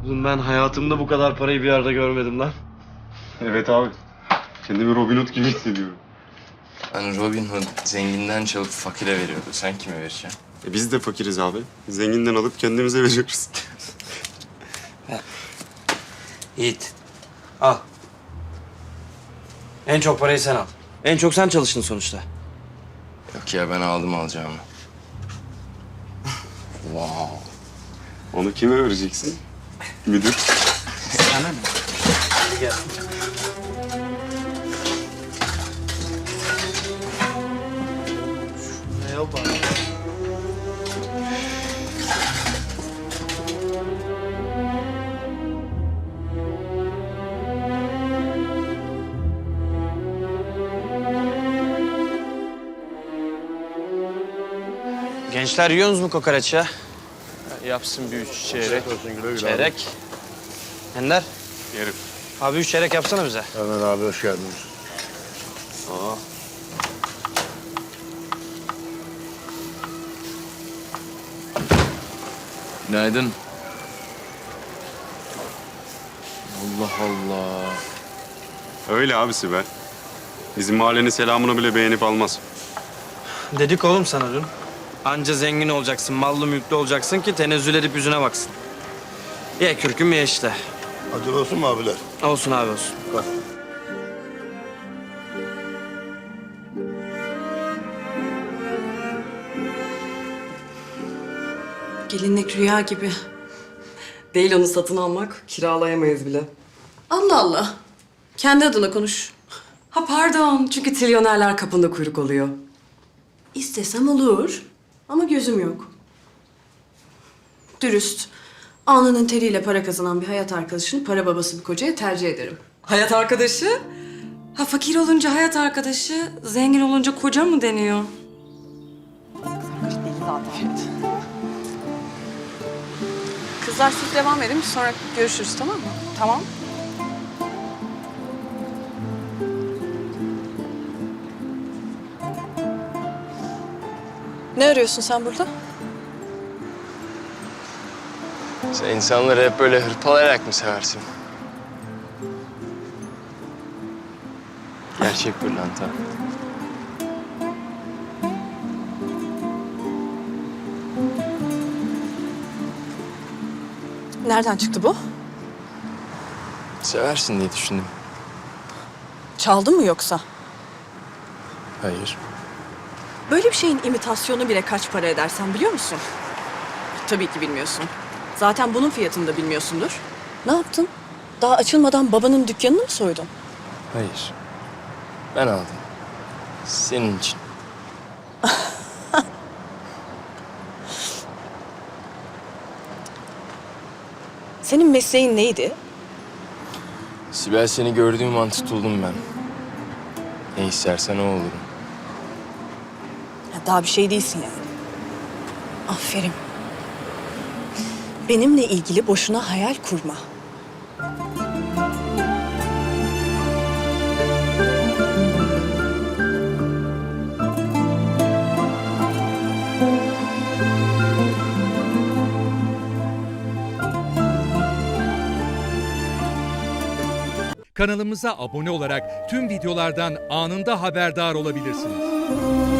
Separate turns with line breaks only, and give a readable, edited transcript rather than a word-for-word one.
Oğlum ben hayatımda bu kadar parayı bir yerde görmedim lan.
Evet abi. Kendimi Robin Hood gibi hissediyorum.
Hani Robin Hood zenginden çalıp fakire veriyordu. Sen kime vereceksin?
Biz de fakiriz abi. Zenginden alıp kendimize veriyoruz.
Yiğit. Al. En çok parayı sen al. En çok sen çalıştın sonuçta.
Yok ya ben aldım alacağımı. Wow.
Onu kime vereceksin? Müdür.
Sana ne? Hadi gel. Ne yapar? Gençler yiyorsunuz mu kokoreç ya?
Yapsın bir 3 çeyrek.
Çeyrek. Ender.
Yerim.
Abi 3 çeyrek yapsana bize.
Hemen abi hoş geldiniz.
Günaydın. Allah Allah.
Öyle abi Sibel. Bizim mahallenin selamını bile beğenip almaz.
Dedik oğlum sana dün. Anca zengin olacaksın, mallı mülklü olacaksın ki tenezzül edip yüzüne baksın. Ye kürküm ye işte.
Hadi olsun mu abiler?
Olsun abi olsun.
Gelinlik rüya gibi.
Değil onu satın almak, kiralayamayız bile.
Allah Allah. Kendi adına konuş.
Ha pardon, çünkü trilyonerler kapında kuyruk oluyor.
İstesem olur. Ama gözüm yok. Dürüst. Alnının teriyle para kazanan bir hayat arkadaşını para babası bir kocaya tercih ederim.
Hayat arkadaşı? Ha fakir olunca hayat arkadaşı, zengin olunca koca mı deniyor?
Kızlar siz devam edin. Sonra görüşürüz, tamam mı?
Tamam.
Ne arıyorsun sen burada?
Sen insanları hep böyle hırpalayarak mı seversin? Gerçek pırlanta.
Nereden çıktı bu?
Seversin diye düşündüm.
Çaldın mı yoksa?
Hayır.
Böyle bir şeyin imitasyonu bile kaç para eder sen biliyor musun? Tabii ki bilmiyorsun. Zaten bunun fiyatını da bilmiyorsundur. Ne yaptın? Daha açılmadan babanın dükkanını mı soydun?
Hayır. Ben aldım. Senin için.
Senin mesleğin neydi?
Sibel seni gördüğüm an tutuldum ben. Ne istersen o olurum.
Ya daha bir şey değilsin yani. Aferin. Benimle ilgili boşuna hayal kurma.
Kanalımıza abone olarak tüm videolardan anında haberdar olabilirsiniz.